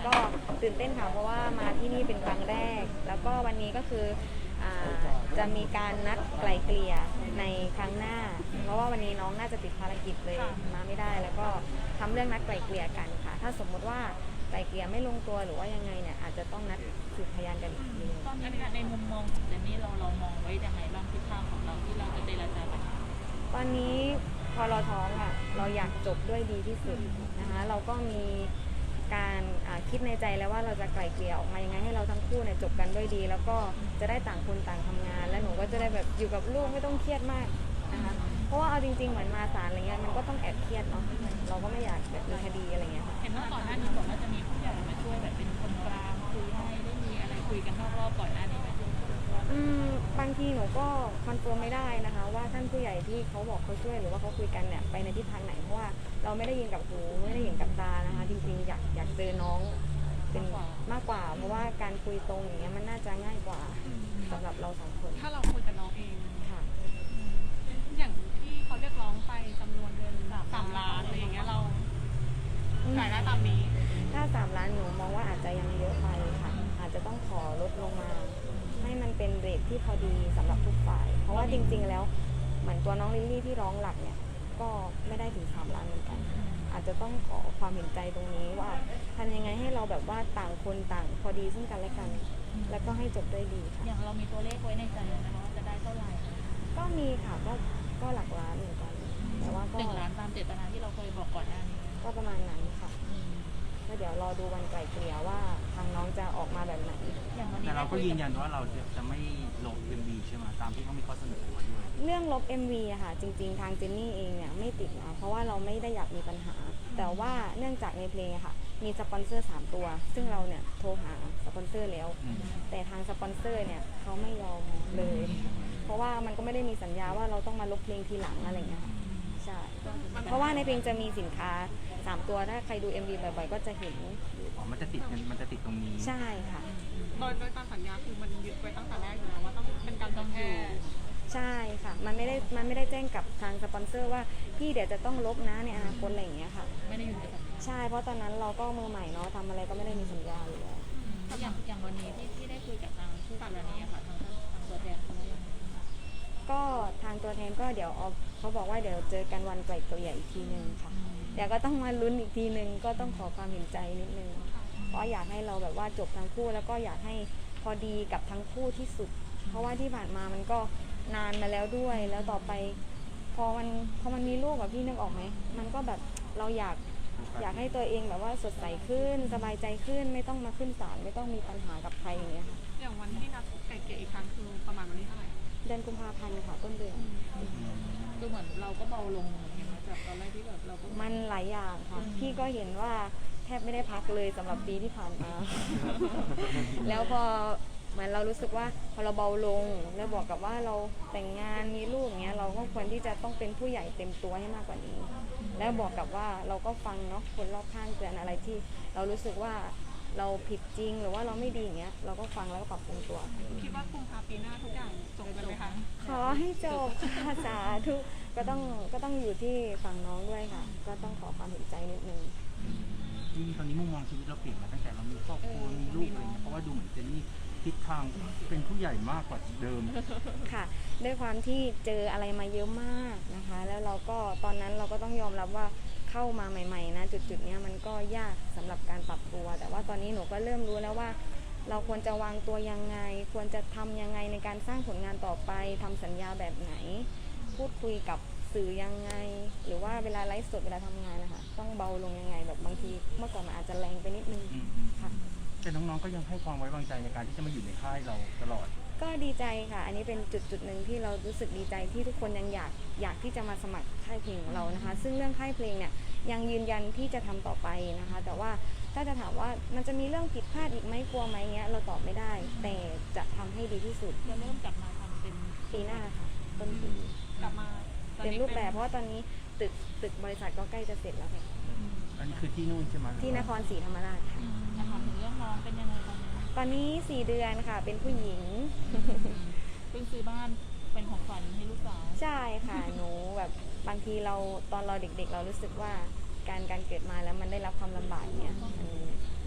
ก็ตื่นเต้นค่ะเพราะว่ามาที่นี่เป็นครั้งแรกแล้วก็วันนี้ก็คือจะมีการนัดไกล่เกลี่ยในครั้งหน้าเพราะว่าวันนี้น้องน่าจะติดภารกิจเลยมาไม่ได้แล้วก็ทำเรื่องนัดไกล่เกลี่ยกันค่ะถ้าสมมติว่าไกล่เกลี่ยไม่ลงตัวหรือว่ายังไงเนี่ยอาจจะต้องนัดสืบพยานกันอีกทีนึงตอนนี้ในมุมมองของเจนนี่เรามองไว้ยังไงบ้างทิศทางของเราที่เราจะเจรจาปัญหาตอนนี้พอเราท้องเราอยากจบด้วยดีที่สุดนะคะเราก็มีการคิดในใจแล้วว่าเราจะไกล่เกลี่ยออกมายังไงให้เราทั้งคู่เนี่ยจบกันด้วยดีแล้วก็จะได้ต่างคนต่างทำงานและหนูก็จะได้แบบอยู่กับลูกไม่ต้องเครียดมากนะคะเพราะว่าเอาจริงๆเหมือนมาศาลอะไรเงี้ยมันก็ต้องแอบเครียดเนาะเราก็ไม่อยากแบบมีคดีอะไรเงี้ยเห็นว่าก่อนหน้านี้บอกว่าจะมีผู้ใหญ่มาช่วยแบบเป็นคนกลางคุยให้ได้มีอะไรคุยกันนอกรอบก่อนหน้านี้ไหมบางทีหนูก็คอนเฟิร์มไม่ได้นะคะว่าท่านผู้ใหญ่ที่เขาบอกเขาช่วยหรือว่าเขาคุยกันเนี่ยไปในทิศทางไหนเพราะว่าเราไม่ได้ยินกับหูไม่ได้เห็นกับตานะคะจริงๆอยากเจอน้องเป็นมากกว่าเพราะว่าการคุยตรงอย่างเงี้ยมันน่าจะง่ายกว่าสำหรับเราสองคนถ้าเราคุยกับน้องเองค่ะอย่างที่เขาเรียกร้องไปจำนวนเงิน3 ล้านอะไรอย่างเงี้ยเราจ่ายได้ตามนี้ถ้า3 ล้านหนูมองว่าอาจจะยังเยอะไปค่ะอาจจะต้องขอลดลงมาให้มันเป็นเรทที่พอดีสำหรับทุกฝ่ายเพราะว่าจริงๆแล้วเหมือนตัวน้องลิลลี่ที่ร้องหลักเนี่ยก็ไม่ได้ถึง3 ล้านเหมือนกันอาจจะต้องขอความเห็นใจตรงนี้ว่าทำยังไงให้เราแบบว่าต่างคนต่างพอดีซึ่งกันและกันแล้วก็ให้จบด้วยดีค่ะอย่างเรามีตัวเลขไว้ในใจนะคะว่าจะได้เท่าไหร่ก็มีค่ะก็หลักล้านเหมือนกันแต่ว่าก็ 1 ล้านตามเจตนาที่เราเคยบอกก่อนหน้านี้ก็ประมาณนั้นค่ะก็เดี๋ยวรอดูวันไกล่เกลี่ยว่าทางน้องจะออกมาแบบไหนแต่เราก็ยืนยันว่าเราจะไม่ลบ MV ใช่ไหมตามที่เขามีข้อเสนอมาด้วยเรื่องลบ MV อะค่ะจริงๆทางเจนนี่เองเนี่ยไม่ติดนะเพราะว่าเราไม่ได้อยากมีปัญหาแต่ว่าเนื่องจากในเพลงอะค่ะมีสปอนเซอร์3 ตัวซึ่งเราเนี่ยโทรหาสปอนเซอร์แล้วแต่ทางสปอนเซอร์เนี่ยเขาไม่ยอมเลยเพราะว่ามันก็ไม่ได้มีสัญญาว่าเราต้องมาลบเพลงทีหลังอะไรเงี้ยใช่เพราะว่าในเพลงจะมีสินค้า3 ตัวถ้าใครดู MV บ่อยๆก็จะเห็นมันจะติดตรงนี้ใช่ค่ะโดยตามสัญญาคือมันยึดไว้ตั้งแต่แรกอยู่แล้วว่าต้องเป็นการต้องแค่ใช่ค่ะมันไม่ได้แจ้งกับทางสปอนเซอร์ว่าพี่เดี๋ยวจะต้องลบนะในอนาคตอะไรอย่างเงี้ยค่ะไม่ได้อยู่ในสัญญาใช่เพราะตอนนั้นเราก็มือใหม่เนาะทำอะไรก็ไม่ได้มีสัญญาอยู่แล้วอย่างวันนี้ที่ได้คุยกับทางผู้กรณีค่ะทางตัวแทนเขาว่ายังไงก็ทางตัวแทนก็เดี๋ยวเขาบอกว่าเดี๋ยวเจอกันวันไกล่เกลี่ยอีกทีนึงค่ะเดี๋ยวก็ต้องมาลุ้นอีกทีนึงก็ต้องขอความเห็นใจนิดนึงเพราะอยากให้เราแบบว่าจบทั้งคู่แล้วก็อยากให้พอดีกับทั้งคู่ที่สุดเพราะว่าที่ผ่านมามันก็นานมาแล้วด้วยแล้วต่อไปพอมันมีลูกพี่นึกออกไหมมันก็แบบเราอยากให้ตัวเองแบบว่าสดใสขึ้นสบายใจขึ้นไม่ต้องมาขึ้นศาลไม่ต้องมีปัญหากับใครอย่างเงี้ยค่ะอย่างวันที่นัดไกล่เกลี่ยอีกครั้งคือประมาณวันที่เท่าไหร่เดือนกุมภาพันธ์ค่ะต้นเดือนดูเหมือนเราก็เบาลงเห็นไหมจากตอนแรกที่แบบเราก็มันหลายอย่างค่ะพี่ก็เห็นว่าแทบไม่ได้พักเลยสำหรับปีที่ผ่านมา แล้วพอเหมือนเรารู้สึกว่าพอเราเบาลงแล้วบอกกับว่าเราแต่งงานมีลูกอย่างเงี้ยเราก็ควรที่จะต้องเป็นผู้ใหญ่เต็มตัวให้มากกว่านี้แล้วบอกกับว่าเราก็ฟังเนาะคนรอบข้างเตือนอะไรที่เรารู้สึกว่าเราผิดจริงหรือว่าเราไม่ดีอย่างเงี้ยเราก็ฟังแล้วก็ปรับปรุงตัวคิดว่ากุมภาพันธ์ปีหน้าทุกอย่างจบกันไหมคะขอให้จบค่ะสาธุก็ต้องอยู่ที่ฝั่งน้องด้วยค่ะก็ต้องขอความเห็นใจนิดนึงที่ตอนนี้มุมมองชีวิตเราเปลี่ยนมาตั้งแต่เรามีครอบครัวมีลูกอะไรเงี้ยเพราะว่าดูเหมือนเจนนี่ทิศทางเป็นผู้ใหญ่มากกว่าเดิมค่ะด้วยความที่เจออะไรมาเยอะมากนะคะแล้วเราก็ตอนนั้นเราก็ต้องยอมรับว่าเข้ามาใหม่ๆนะจุดๆนี้มันก็ยากสำหรับการปรับตัวแต่ว่าตอนนี้หนูก็เริ่มรู้แล้วว่าเราควรจะวางตัวยังไงควรจะทำยังไงในการสร้างผลงานต่อไปทำสัญญาแบบไหนพูดคุยกับสื่อยังไงหรือว่าเวลาไลฟ์สดเวลาทำงานนะคะต้องเบาลงยังไงแบบบางทีเมื่อก่อนมันอาจจะแรงไปนิดนึงค่ะแต่น้องๆก็ยังให้ความไว้วางใจในการที่จะมาอยู่ในค่ายเราตลอดก็ดีใจค่ะอันนี้เป็นจุดหนึ่งที่เรารู้สึกดีใจที่ทุกคนยังอยากที่จะมาสมัครค่ายเพลงของเรานะคะซึ่งเรื่องค่ายเพลงเนี่ยยังยืนยันที่จะทำต่อไปนะคะแต่ว่าถ้าจะถามว่ามันจะมีเรื่องผิดพลาดอีกไหมกลัวไหมเงี้ยเราตอบไม่ได้แต่จะทำให้ดีที่สุดจะเริ่มกลับมาทำเป็นปีหน้าค่ะต้นปีกลับมาเป็นรูปแบบเพราะว่าตอนนี้ตึกบริษัทก็ใกล้จะเสร็จแล้วค่ะอันนี้คือที่นู่นใช่ไหมที่นครศรีธรรมราชค่ะถามถึงเรื่องน้องเป็นยังไงตอนนี้4 เดือนค่ะเป็นผู้หญิงเพิ่งซื้อบ้านเป็นของขวัญให้ลูกสาวใช่ค่ะหนูแบบบางทีเราตอนเราเด็กๆเรารู้สึกว่าการเกิดมาแล้วมันได้รับความลำบากเนี่ยมัน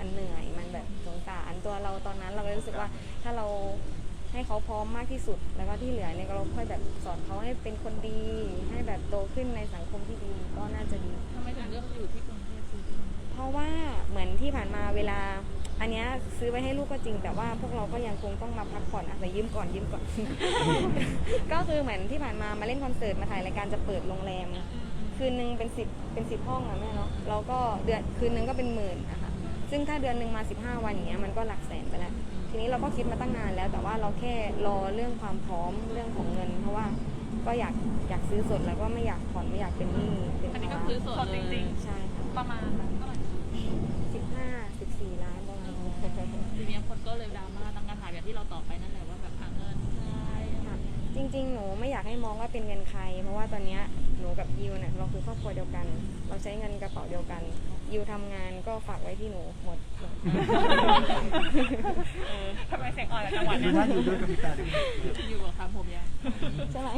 มันเหนื่อยมันแบบสงสารตัวเราตอนนั้นเราก็รู้สึกว่าถ้าเราให้เขาพร้อมมากที่สุดแล้วก็ที่เหลือเนี่ยเราค่อยแบบสอนเขาให้เป็นคนดีให้แบบโตขึ้นในสังคมที่ดีก็น่าจะดีทำไมถึงเลือกอยู่ที่กรุงเทพซื้อที่กรุงเทพเพราะว่าเหมือนที่ผ่านมาเวลาอันเนี้ยซื้อไว้ให้ลูกก็จริงแต่ว่าพวกเราก็ยังคงต้องมาพักผ่อนอาศัยยืมก่อน ก็คือเหมือนที่ผ่านมาเล่นคอนเสิร์ตมาถ่ายรายการจะเปิดโรงแรมคืนนึงเป็น10ห้องอะแม่เนาะเราก็เดือนคืนนึงก็เป็นหมื่นนะคะซึ่งถ้าเดือนนึงมา15วันอย่างเงี้ยมันก็หลักแสนไปแล้วทีนี้เราก็คิดมาตั้งนานแล้วแต่ว่าเราแค่รอเรื่องความพร้อมเรื่องของเงิน เพราะว่าก็อยากซื้อสดแล้วก็ไม่อยากผ่อนไม่อยากเป็นหนี้เป็นอันนี้ก็ภาระคือสดจริงใช่ค่ะๆ ประมาณเท่าไหร่ 15-14 ล้านประมาณนี้ทีนี้คนก็เลยดราม่าตั้งคำถามแบบที่เราตอบไปนั่นแหละว่าแบบหาเงินใช่ค่ะจริงๆหนูไม่อยากให้มองว่าเป็นเงินใครเพราะว่าตอนเนี้ยหนูกับยิวเนี่ยเราคือครอบครัวเดียวกัน เราใช้เงินกระเป๋าเดียวกันยิวทำงานก็ฝากไว้ที่หนูหมดทำไมเสียงอ่อนละจังหวะดูเนี้ยน่าอยู่ด้วยกับพี่ตาด้วยอยู่กับคำผมยังใช่ไหม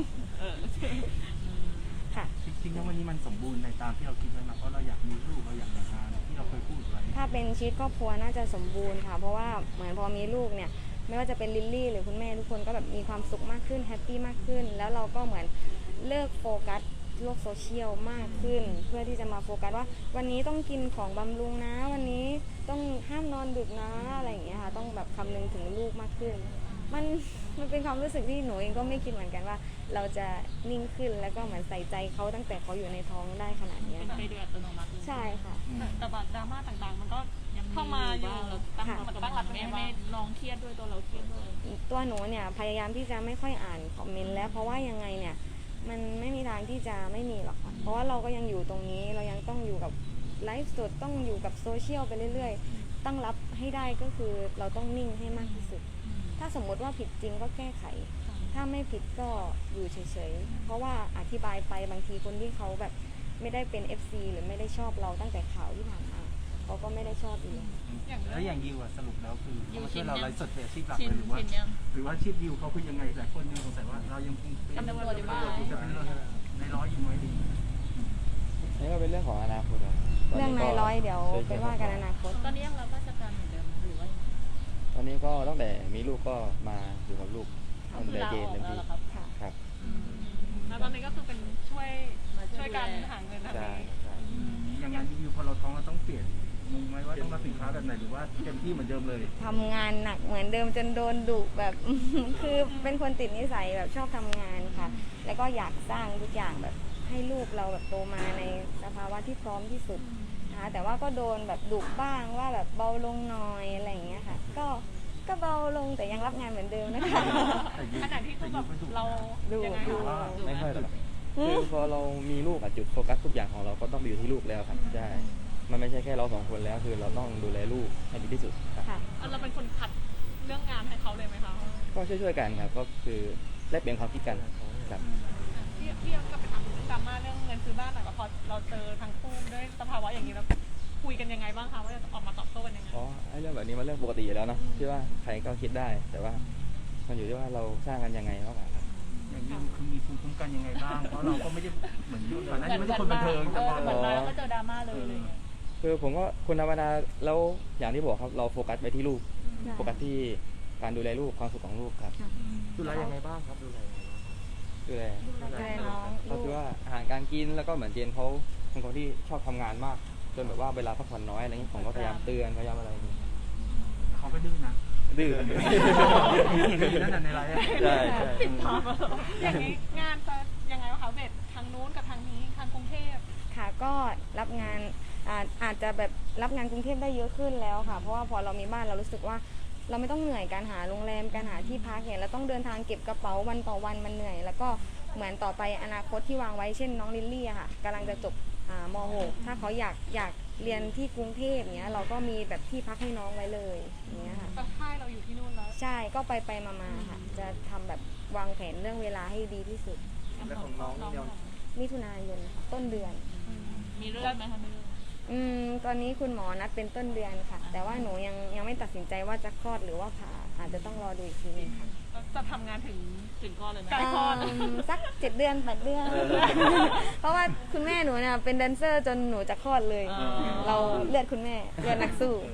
ค่ะจริงๆแล้ววันนี้มันสมบูรณ์ในตามที่เราคิดไว้มาเพราะเราอยากมีลูกเราอยากแต่งงานที่เราเคยพูดไว้ถ้าเป็นชีวิตครอบครัวน่าจะสมบูรณ์ค่ะเพราะว่าเหมือนพอมีลูกเนี่ยไม่ว่าจะเป็นลิลลี่หรือคุณแม่ทุกคนก็แบบมีความสุขมากขึ้นแฮปปี้มากขึ้นแล้วเราก็เหมือนเลิกโฟกัสโลกโซเชียลมากขึ้นเพื่อที่จะมาโฟกัสว่าวันนี้ต้องกินของบำรุงนะวันนี้ต้องห้ามนอนดึกนะอะไรอย่างเงี้ยค่ะต้องแบบคำนึงถึงลูกมากขึ้นมันเป็นความรู้สึกที่หนูเองก็ไม่คิดเหมือนกันว่า เราจะนิ่งขึ้นแล้วก็เหมือนใส่ใจเขาตั้งแต่เขาอยู่ในท้องได้ขนาดเนี้ยเป็นค่ะไปโดยอัตโนมัติเลยใช่ค่ะแต่แบบดราม่าต่างๆ มันก็ยังเข้ามาอยู่บ้งเราตั้งค่ะรับกับมันไม่น้องเครียดด้วยตัวเราเครียดด้วยตัวหนูเนี่ยพยายามที่จะไม่ค่อยอ่านคอมเมนต์แล้วเพราะว่ายังไงเนี่ยมันไม่มีทางที่จะไม่มีหรอกค่ะเพราะว่าเราก็ยังอยู่ตรงนี้เรายังต้องอยู่กับไลฟ์สดต้องอยู่กับโซเชียลไปเรื่อยๆตั้งรับให้ได้ก็คือเราต้องนิ่งให้มากที่สุด ถ้าสมมติว่าผิดจริงก็แก้ไข ถ้าไม่ผิดก็อยู่เฉยๆเพราะว่าอธิบายไปบางทีคนที่เขาแบบไม่ได้เป็น FC หรือไม่ได้ชอบเราตั้งแต่ข่าวที่ผ่านมาเขาก็ไม่ได้ชอบอีกแล้วอย่างยิวอะสรุปแล้วคือเขามาช่วยเราไลฟ์สดเป็นอาชีพหลักชินเลยหรือว่าชินยังหรือว่าอาชีพยิวเขาคือยังไงหลายคนยังสงสัยว่าเรายังคงเป็นตำรวจอยู่บ้านจะเป็นในร้อยอยู่ไหมดีนี่ก็เป็นเรื่องของอนาคตครับตเรื่องก็นายร้อยเดี๋ยวเป็นว่ากันอนาคตตอนนี้ยังรับราชการเหมือนเดิมหรือว่ายังไงตอนนี้ก็ตั้งแต่มีลูกก็มาอยู่กับลูกก็คือลาออกแล้วเหรอครับค่ะครับแล้วตอนนี้ก็คือเป็นช่วยกันหาเงินแบบใช่นี้ใช่อย่างงานยิวพอเราท้องเราต้องเปลี่ยนมุมไหมว่าต้องรับสินค้าแบบไหนหรือว่าเต็มที่เหมือนเดิมเลยทำงานหนักเหมือนเดิมจนโดนดุแบบ คือเป็นคนติดนิสัยแบบชอบทำงานค่ะ แล้วก็อยากสร้างทุกอย่างแบบให้ลูกเราแบบโตมาในสภาวะที่พร้อมที่สุดนะคะแต่ว่าก็โดนแบบดุบ้างว่าแบบเบาลงหน่อยอะไรอย่างเงี้ยค่ะ ก็เบาลงแต่ยังรับงานเหมือนเดิมนะคะขณะที่คือแบบเราดูยังไงดูคะไม่ค่อยหรอกคือพอเรามีลูกอะจุดโฟกัสทุกอย่างของเราก็ต้องไปอยู่ที่ลูกแล้วครับใช่มันไม่ใช่แค่เราสองคนแล้วคือเราต้องดูแลลูกให้ดีที่สุดครับค่ะเราเป็นคนคัดเรื่องงานให้เขาเลยไหมคะก็ช่วยๆกันครับก็คือแลกเปลี่ยนความคิดกันครับพี่ยังก็ไปถามเรื่องดราม่าเรื่องเงินซื้อบ้านหน่อยว่าพอเราเจอทั้งคู่ด้วยสภาวะอย่างนี้แล้วคุยกันยังไงบ้างคะว่าจะออกมาตอบโต้กันยังไงอ๋อไอ้เรื่องแบบนี้มันเรื่องปกติอยู่แล้วเนอะที่ว่าใครก็คิดได้ แต่ว่ามันอยู่ที่ว่าเราสร้างกันยังไงมากกว่าครับอย่างยิวคือมีภูมิคุ้มกันยังไงบ้างเพราะเราก็ไม่ได้เหมือนก่อนหน้านี้ไม่ใช่คนบันเทิงจะมาเหมือนมาแล้วก็เจอดราม่าเลยอะไรอย่างเงี้ยคือผมก็คนธรรมดาแล้วอย่างที่บอกครับเราโฟกัสไปที่ลูกใช่โฟกัสที่การดูแลลูกความสุขของลูกครับดูแลยังไงบ้างครับดูแลยังไงบ้างดูแลดูแลน้องก็คือว่าอาหารการกินแล้วก็เหมือนเจนเขาเป็นคนที่ชอบทำงานมากจนแบบว่าเวลาพักผ่อนน้อยอะไรเงี้ยผมก็พยายามเตือนพยายามอะไรอย่างเงี้ยเขาก็ดื้อนะดื้อเห็นอยู่นั่นน่ะในไลฟ์อะใช่ใช่อย่างนี้งานจะยังไงวะคะเบสทางนู้นกับทางนี้ทางกรุงเทพค่ะก็รับงานอาจจะแบบรับงานกรุงเทพได้เยอะขึ้นแล้วค่ะ เพราะว่าพอเรามีบ้านเรารู้สึกว่า เราไม่ต้องเหนื่อยการหาโรงแรมการหาที่พักเนี่ยเราต้องเดินทางเก็บกระเป๋าวันต่อวันมันเหนื่อย แล้วก็เหมือนต่อไปอนาคตที่วางไว้เช่นน้องลิลลี่อะค่ะกำลังจะจบม .6 ถ้าเขาอยากเรียนที่กรุงเทพเนี้ยเราก็มีแบบที่พักให้น้องไว้เลยอย่างเงี้ยค่ะแต่ค่ายเราอยู่ที่นู่นแล้วใช่ก็ไปมาๆค่ะ จะทำแบบวางแผนเรื่องเวลาให้ดีที่สุดแล้วของน้องนี่เนี่ยมิถุนายนค่ะต้นเดือนมีเรื่องไหมคะไม่เรื่องตอนนี้คุณหมอนัดเป็นต้นเดือนค่ะ แต่ว่าหนูยังไม่ตัดสินใจว่าจะคลอดหรือว่าผ่าอาจจะต้องรอดูอีกทีนึงค่ะจะทำงานถึงถึงก้อนเลยไหมใกล้คลอดสัก7 เดือน8 เดือน เพราะว่าคุณแม่หนูเนี่ยเป็นแดนเซอร์จนหนูจะคลอดเลย เราเลือดคุณแม่เลือดนักสู้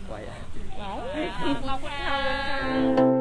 ไว้ไว้ขอบคุณค่ะ